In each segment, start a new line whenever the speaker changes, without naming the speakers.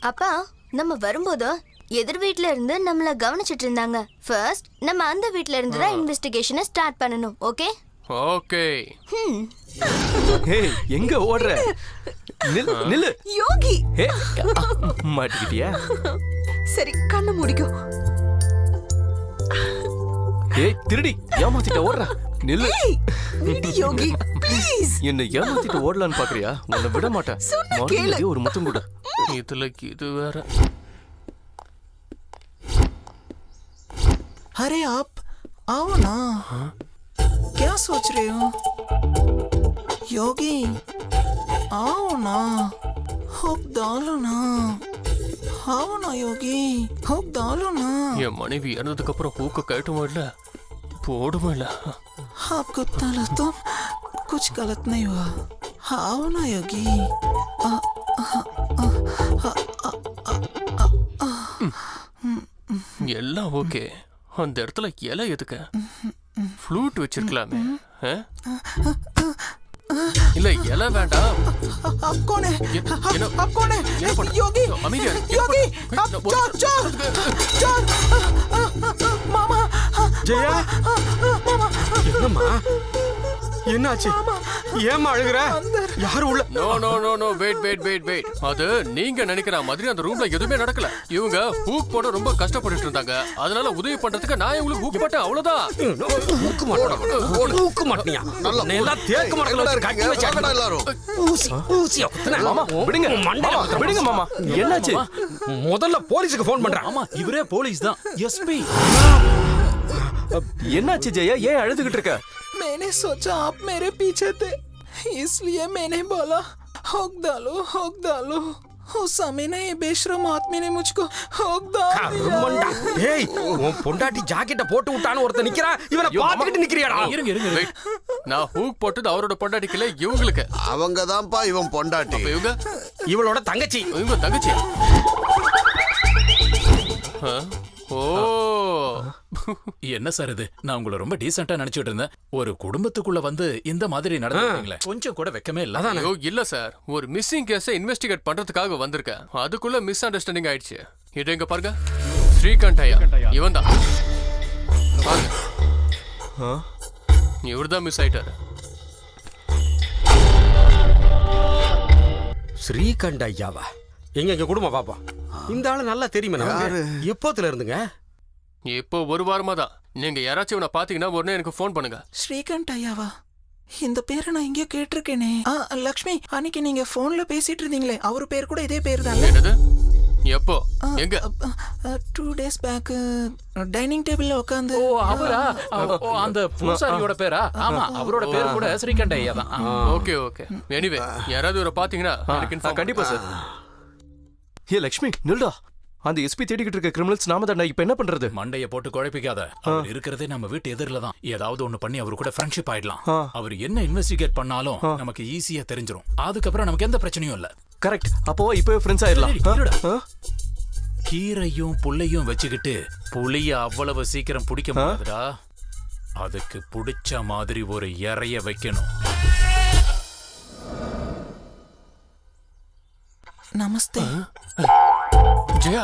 அப்பா நம்ம வரும்போது எதிர் வீட்ல இருந்து நம்மள கவனிச்சிட்டு இருந்தாங்க. ஃபர்ஸ்ட் நம்ம அந்த வீட்ல இருந்து தான் இன்வெஸ்டிகேஷனை ஸ்டார்ட் பண்ணனும். Okay
okay.
ஏய் எங்க ஓடுற? நில்லு
யோகி.
மாட்டிக்கிட்டியா?
சரி கண்ணை மூடிக்கோ.
ஏய் திருடி ஏமாத்திட்ட ஓடுற. நில்லு.
விடு யோகி ப்ளீஸ்.
என்ன ஏமாத்திட்டு ஓடலான்னு பாக்குறியா? உன்னை விட மாட்டேன். மறுபடியும் ஒரு முத்தம் கூட.
இதுல இது வேற.
अरे आप आओ ना. क्या सोच रहे हो योगी? आओ ना, हुक डालो ना. आओ ना योगी, हुक डालो ना.
என் மனைவி இறந்ததுக்கு அப்புறம் ஹூக்க கழட்டுமா இல்ல போடுமா இல்ல?
आपको डाला तो कुछ गलत नहीं हुआ. आओ ना योगी.
எல்லாம் ஓகே. அந்த இடத்துல இலை எதுக்கு? ஃப்ளூட் வச்சிருக்கலாமே. இல்ல இலை வேண்டாம்.
आप कौन है?
என்ன
आप कौन है?
என்ன பண்ற?
योगी
அமைதியா இரு.
योगी आप चोर चोर चोर. मामा
ஜெயா
मामा
என்னம்மா என்னாச்சு? ஏம்மா அழுகுற? யாரும் உள்ள?
No no no no wait wait wait wait. அது நீங்க நினைக்கிற மாதிரி அந்த ரூம்ல எதுவுமே நடக்கல. இவங்க ஹூக் போட ரொம்ப கஷ்டப்பட்டுட்டு இருந்தாங்க. அதனால உதவி பண்றதுக்கு நான் உங்களுக்கு ஹூக் போட்டேன் அவ்வளவுதான்.
ஊக்க மாட்டியா? நல்லா எல்லாம் தேக்க மாட்டல கட்டி வச்சாங்க எல்லாரும். ஊசியா குத்துனா.
மாமா விடுங்க. மாமா விடுங்க மாமா. என்னாச்சு?
முதல்ல போலீஸ்க்கு ஃபோன் பண்றேன்.
ஆமா இவரே போலீஸ் தான். எஸ்பி.
என்னாச்சு ஜெயா? ஏன் அழுதுகிட்டு இருக்க?
मैंने सोचा आप मेरे पीछे थे, इसलिए मैंने बोला हुक डालो. उस समय ना ये बेशरम आदमी ने मुझको हुक डाल
கருமண்டா.
दिया.
ஏய் உன் பொண்டாட்டி ஜாக்கெட்ட போட்டு விட்டான்னு ஒருத்தன் நிக்கிறான். இவனை பாத்துக்கிட்டு நிக்கிறியாடா?
இருங்க இருங்க
Wait. நான் ஹூக் போட்டது அவரோட பொண்டாட்டிக்கல இவங்களுக்கு.
அவங்க தான்ப்பா இவன் பொண்டாட்டி.
அப்ப இவங்க
இவளோட தங்கச்சி.
இவங்க தங்கச்சி. ஓ
என்ன சார் இது? நான் உங்களை ரொம்ப டீசென்ட்டா நினைச்சிட்டு இருந்தேன். ஒரு குடும்பத்துக்குள்ள வந்து இந்த மாதிரி நடந்துட்டீங்களே, கொஞ்சம் கூட வெக்கமே இல்ல.
ஐயோ இல்ல சார், ஒரு மிஸ்ஸிங் கேஸை இன்வெஸ்டிகேட் பண்றதுக்காக வந்திருக்கேன். அதுக்குள்ள மிஸ் அண்டர்ஸ்டாண்டிங் ஆயிடுச்சு. இது எங்க பாருங்க, ஸ்ரீகாந்த் ஐயா இவன் தான். பாருங்க, இவர்தான் மிஸ் ஆயிட்டாரு.
ஸ்ரீகண்ட ஐயாவா? எங்க குடும்பம் பாப்பா. இந்த ஆளு நல்லா தெரியுமே நமக்கு. எப்போத்துல இருந்துங்க?
இப்போ ஒரு வாரமா தான். நீங்க யாராச்சும் இவனை பாத்தீங்கன்னா உடனே எனக்கு ஃபோன் பண்ணுங்க.
ஸ்ரீகாந்த் ஐயாவா? இந்த பேரை நான் எங்கேயோ கேட்டிருக்கேனே. லக்ஷ்மி, அன்னைக்கு நீங்க போன்ல பேசிட்டு இருந்தீங்களே, அவர் பேர் கூட இதே பேர் தான்.
என்னது? எப்போ? எங்க?
2 days பேக் டைனிங் டேபிள்ல உட்கார்ந்து.
ஓ அவரா? அந்த பூசாரியோட பேரா? ஆமா, அவரோட பேர் கூட ஸ்ரீகண்ட ஐயா தான்.
Okay okay. எனிவே யாராவது இவரை பாத்தீங்கன்னா எனக்கு இன்ஃபார்ம்
கண்டிப்பா சார். ஏ லக்ஷ்மி நில்டா. அந்த எஸ்பி தேடிக்கிட்டு இருக்க கிரிமினல்ஸ் நாம தான். இப்ப என்ன பண்றது?
மண்டைய போட்டு குழப்பிக்காத. அவர் இருக்கிறதே நம்ம வீட்டு எதிரில தான். ஏதாவது ஒண்ணு பண்ணி அவரு கூட ஃப்ரெண்ட்ஷிப் ஆயிடலாம். அவர் என்ன இன்வெஸ்டிகேட் பண்ணாலும் நமக்கு ஈஸியா தெரிஞ்சிரும். அதுக்கப்புறம் நமக்கு எந்த பிரச்சனையும் இல்ல.
கரெக்ட். அப்போ இப்பவே ஃப்ரெண்ட்ஸ் ஆயிடலாம்.
கீரையும் புள்ளையும் வச்சுக்கிட்டு புளிய அவ்வளவு சீக்கிரம் பிடிக்க முடியாதுடா. அதுக்கு பிடிச்ச மாதிரி ஒரு இறைய வைக்கணும்.
நமஸ்தே.
ஜெயா,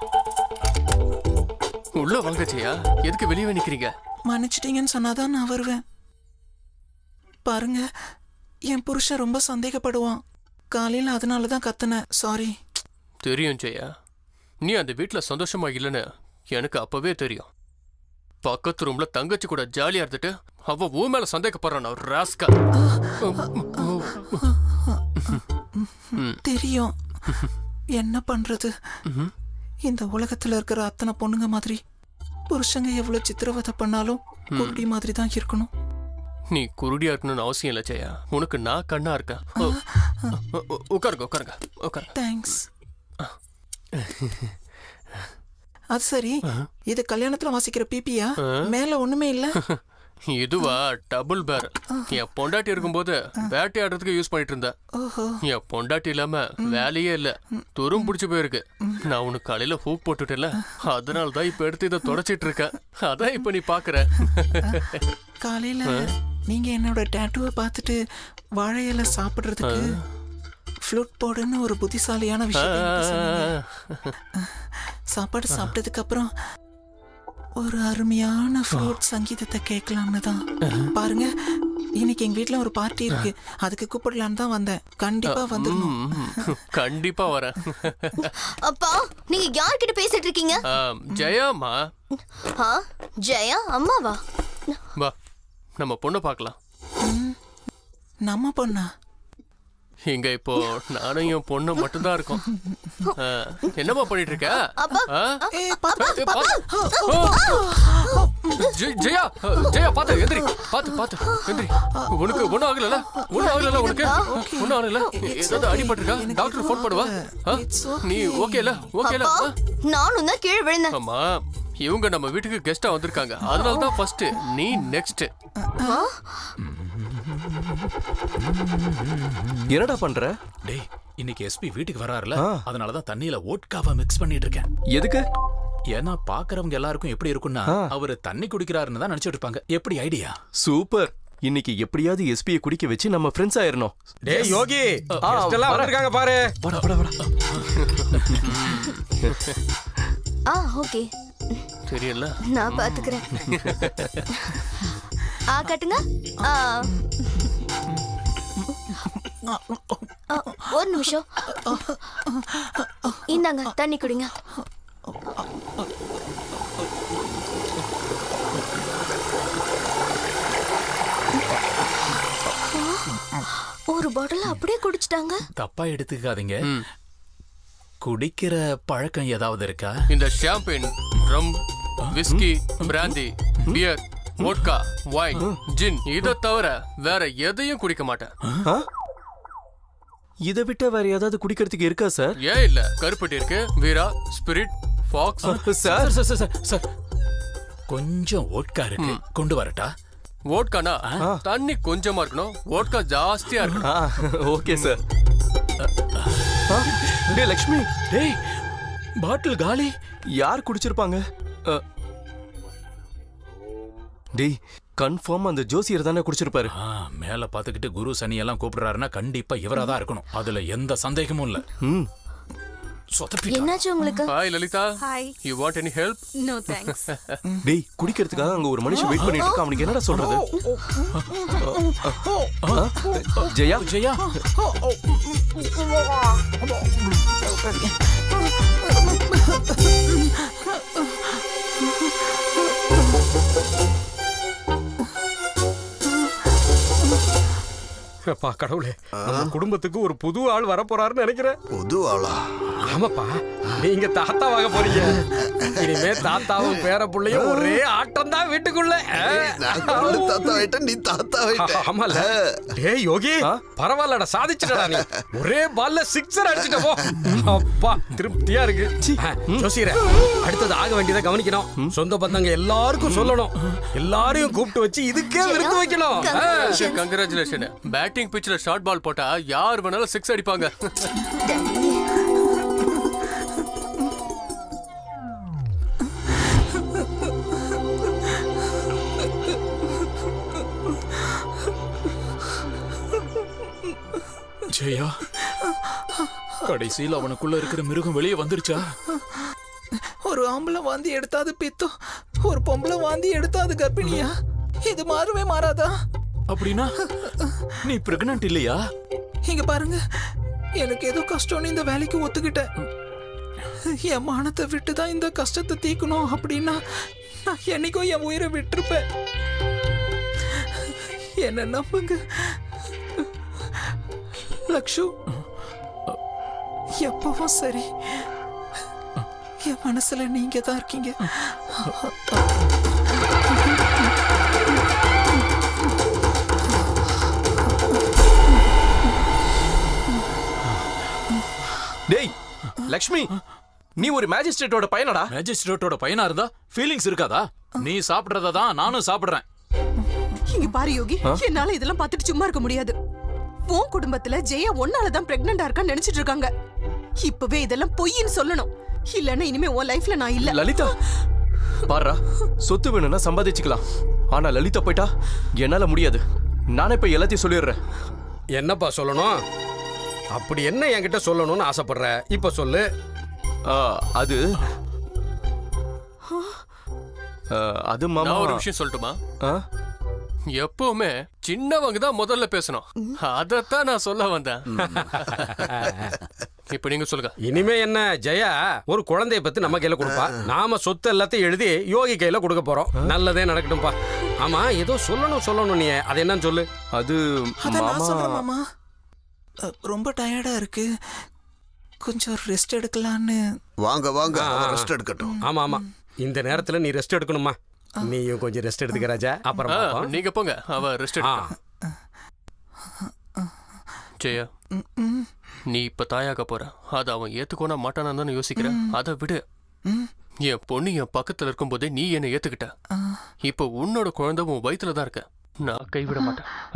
உள்ள வாங்க ஜெயா. எதுக்கு வெளியே நிக்கிறீங்க?
மன்னிச்சிட்டீங்கன்னு சொன்னாதான் நான் வருவேன். பாருங்க, என் புருஷன் ரொம்ப சந்தேகப்படுவான். காலையில் அதனால தான் கத்துனேன். சாரி.
தெரியும் ஜெயா, நீ அந்த வீட்டுல சந்தோஷமா இல்லைன்னு எனக்கு அப்பவே தெரியும். பக்கத்து ரூம்ல தங்கச்சி கூட ஜாலியா இருந்துட்டு அவ ஊ மேல சந்தேகப்படுறான். ராஸ்கா.
தெரியும். என்ன பண்றது? இந்த உலகத்துல இருக்கிற அத்தனை பொண்ணுங்க மாதிரி புருஷங்க எவ்வளவு சித்திரவதை பண்ணாலும் குருடி மாதிரி தான் இருக்கணும்.
நீ குருடியா இருக்கணும்னு அவசியம் இல்லை ஜெயா. உனக்கு நான் கண்ணா இருக்கேன். உட்காருங்க உட்காருங்க உட்காருங்க.
தேங்க்ஸ். அது சரி, இது கல்யாணத்துல வாசிக்கிற பிபியா? மேல ஒண்ணுமே இல்ல.
இதுவா டபுள் பேரல். என் பொண்டாட்டி இருக்கும்போது வேட்டையாடுறதுக்கு யூஸ் பண்ணிட்டு இருந்தேன். என் பொண்டாட்டி இல்லாம வேலையே இல்ல, துரும் பிடிச்சு போயிருக்கு. நான் உனக்கு காலையில ஹூக் போட்டுட்டேன்ல, அதனாலதான் இப்ப எடுத்து இதை தொடச்சிட்டு இருக்கேன். அதான் இப்ப நீ பாக்குற.
காலையில நீங்க என்னோட டாட்டூவை பார்த்துட்டு வாழை இலை சாப்பிடுறதுக்கு ஃப்ளூட் போடுன்னு ஒரு புத்திசாலியான விஷயம் எனக்கு சொன்னீங்க. சாப்பாடு சாப்பிட்டதுக்கு அப்புறம் ஒரு அருமையான ஃப்ளூட் சங்கீதத்தை கேட்கலாம்னு தான். பாருங்க, இன்னைக்கு எங்க வீட்ல ஒரு பார்ட்டி இருக்கு, அதுக்கு கூப்பிடலான்னு தான் வந்தேன். கண்டிப்பா வந்துடணும்.
கண்டிப்பா வரேன்.
அப்பா நீங்க யார்கிட்ட பேசிட்டு இருக்கீங்க?
ஜெயாமா,
ஆ, ஜெயா அம்மாவா?
வா நம்ம பொண்ணை பார்க்கலாம்.
நம்ம பொண்ணா?
இங்க இப்போ நானும் என் பொண்ணு மட்டும்தான் இருக்கோம். என்னம்மா பண்ணிட்டு இருக்க? ஆ? ஏய், ஜெயா ஜெயா பாத்து எந்திரி, பாத்து எந்திரி. உனக்கு ஒண்ணும் ஆகல? ஒண்ணும் ஆகல உனக்கு? ஒண்ணும் ஆகல? ஏதாவது அடிபட்டிருக்கா? டாக்டர் ஃபோன் பண்ணுவா. நீ ஓகேல? ஓகேல?
நானும் தான் கீழே விழுந்தேன்.
ஆமா, இவங்க நம்ம வீட்டுக்கு கெஸ்டா வந்திருக்காங்க, அதனால தான் ஃபர்ஸ்ட் நீ நெக்ஸ்ட்.
என்னடா பண்ற?
டேய், இன்னைக்கு எஸ்பி வீட்டுக்கு வராருல, அதனாலதான் தண்ணியில ஓட்காவை மிக்ஸ் பண்ணிட்டு இருக்கேன்.
எதுக்கு?
ஏன்னா பாக்குறவங்க எல்லாருக்கும் எப்படி இருக்கும்னா அவரு தண்ணி குடிக்கிறாருன்னு தான் நினைச்சிட்டு இருப்பாங்க. எப்படி ஐடியா?
சூப்பர். இன்னைக்கு எப்படியாவது எஸ்பியை குடிக்க வச்சு நம்ம ஃப்ரெண்ட்ஸ் ஆயிரணும்.
டேய் யோகி, கெஸ்ட் எல்லாம் வந்திருக்காங்க பாரு.
வாடா.
ஓகே,
தெரியல,
நான் பாத்துக்கிறேன். கட்டுங்க. ஒரு நிமிஷம், இந்தாங்க தண்ணி குடிங்க. ஒரு பாட்டில் அப்படியே குடிச்சிட்டாங்க.
தப்பா எடுத்துக்காதீங்க. குடிக்கிற பழக்கம் ஏதாவது இருக்கா?
இந்த champagne, rum, whisky, brandy, beer, vodka, wine, gin இத தவிர வேற எதையும் குடிக்க மாட்டேன்.
இதை விட்ட வேற ஏதாவது குடிக்கிறதுக்கு இருக்கா சார்?
ஏன் இல்ல, கருப்பட்டி இருக்கு, வீரா, ஸ்பிரிட், ஃபாக்ஸ்.
சார்
சார் கொஞ்சம் ஓட்கா இருக்கு, கொண்டு வரட்டா?
வோட்கானா தண்ணி கொஞ்சமா இருக்கணும், வோட்கா ஜாஸ்தியா இருக்கணும்.
Okay sir. டேய் லக்ஷ்மி,
டேய் பாட்டில் காலி.
யார் குடிச்சிருப்பாங்க? டேய் கன்ஃபார்ம் அந்த ஜோசியர் தானே குடிச்சிருப்பாரு.
மேல பாத்துக்கிட்டு குரு சனி எல்லாம் கூப்பிடுறாருன்னா கண்டிப்பா இவரா தான் இருக்கணும், அதுல எந்த சந்தேகமும் இல்ல.
என்னாச்சு உங்களுக்கு?
Hi Lalitha.
Hi.
You want any help?
No thanks.
டேய் குடிக்கிறதுக்காக அங்க ஒரு மனுஷன் வெயிட் பண்ணிட்டு இருக்கான், அவனுக்கு என்னடா சொல்றது? ஜெயா
ஜெயா
அப்பா கடவுளே, நம்ம குடும்பத்துக்கு ஒரு புது ஆள் வர போறாருன்னு நினைக்கிறேன்.
புது ஆளா?
ஆமாப்பா, நீங்க தாத்தாவாக போறீங்க. இனிமே தாத்தாவும் பேர புள்ளையும் ஒரே ஆட்டம் தான் வீட்டுக்குள்ள.
தாத்தா ஆயிட்ட, நீ தாத்தா ஆயிட்ட.
ஆமால. டேய் யோகி, பரவாயில்லடா, சாதிச்சுடா நீ. ஒரே பால்ல சிக்ஸர் அடிச்சிட்ட போ. அப்பா திருப்தியா இருக்கு. ஜோசியரே, அடுத்தது ஆக வேண்டியதை கவனிக்கணும். சொந்த பந்தங்க எல்லாருக்கும் சொல்லணும், எல்லாரையும் கூப்பிட்டு வச்சு இதுக்கே விருந்து வைக்கணும்.
கங்க்ராச்சுலேஷன். பேட்டிங் பிட்ச்ல ஷார்ட் பால் போட்டா யார் வேணாலும் சிக்ஸ் அடிப்பாங்க.
ஜெயா, கடைசியில் அவனுக்குள்ள இருக்கிற மிருகம் வெளியே வந்துருச்சா?
ஒரு ஆம்பளை வாந்தி எடுத்தாது பித்தம், ஒரு பொம்பளை வாந்தி எடுத்தாது கர்ப்பிணியா? இது மாறவே மாறாதா?
அப்படின்னா நீ பிரெக்னன்ட் இல்லையா?
இங்க பாருங்க, எனக்கு ஏதோ கஷ்டம்னு இந்த வேலைக்கு ஒத்துக்கிட்டேன். என் மானத்தை விட்டு தான் இந்த கஷ்டத்தை தீக்கணும் அப்படின்னா நான் என்னைக்கும் என் உயிரை விட்டுருப்பேன். என்ன நம்புங்க லக்ஷு, எப்பவும் சரி என் மனசுல நீங்க தான் இருக்கீங்க.
டேய் லக்ஷ்மி, நீ ஒரு மேஜிஸ்ட்ரேட்டோட பையனடா?
மேஜிஸ்ட்ரேட்டோட பையனா இருந்தா ஃபீலிங்ஸ் இருக்காதா? நீ சாப்பிடுறத தான் நானும் சாப்பிடுறேன்.
இங்க பாரு யோகி, என்னால இதெல்லாம் பார்த்துட்டு சும்மா இருக்க முடியாது. உன் குடும்பத்துல ஜெயா ஒன்னாலதான் பிரெக்னண்டா இருக்கான்னு நினைச்சிட்டு இருக்காங்க. இப்பவே இதெல்லாம் பொய்ன்னு சொல்லணும், இல்லன்னா இனிமே உன் லைஃப்ல நான் இல்ல.
லலிதா பாருடா, சொத்து வேணும்னா சம்பாதிச்சுக்கலாம், ஆனா லலிதா போயிட்டா என்னால முடியாது. நானே இப்ப எல்லாத்தையும் சொல்லிடுறேன்.
என்னப்பா சொல்லணும்? அப்படி என்ன என்கிட்ட சொல்லணும்னு ஆசைப்படுற இப்ப சொல்லு.
அது அது மாமா.
நான் ஒரு விஷயம் சொல்லட்டுமா?
ஆ?
எப்பவுமே சின்னவங்க தான் முதல்ல பேசணும். அதத்தான் நான் சொல்ல வந்தேன். இப்ப நீங்க சொல்லுங்க.
இனிமே என்ன ஜெயா ஒரு குழந்தைய பத்தி நம்ம கையில கொடுப்பா. நாம சொத்து எல்லாத்தையும் எழுதி யோகி கையில கொடுக்க போறோம். நல்லதே நடக்கட்டும்பா. ஆமா ஏதோ சொல்லணும் நீ அது என்னன்னு சொல்லு.
அது
அதான் நான் சொல்றேன்
மாமா.
மாமா. ரொம்ப டயர்டா இருக்கு, கொஞ்சம் ரெஸ்ட் எடுக்கலான்னு.
வாங்க வாங்க ரெஸ்ட் எடுக்கட்டும்.
ஆமா இந்த நேரத்துல நீ ரெஸ்ட் எடுக்கணுமா? நீயும் கொஞ்சம் ரெஸ்ட் எடுத்துக்க ராஜா. அப்புறம் பார்ப்போம்.
நீங்க போங்க, அவ ரெஸ்ட் ஜெயா. நீ இப்ப தாயாக போற, அது அவன் ஏத்துக்கோனா மாட்டானான்னு தானே யோசிக்கிறேன். அதை விடு. என் பொண்ணு என் பக்கத்துல இருக்கும் போதே நீ என்னை ஏத்துக்கிட்ட. இப்ப உன்னோட குழந்தை உன் வயித்துல தான் இருக்க. நான் கைவிட மாட்டேன்.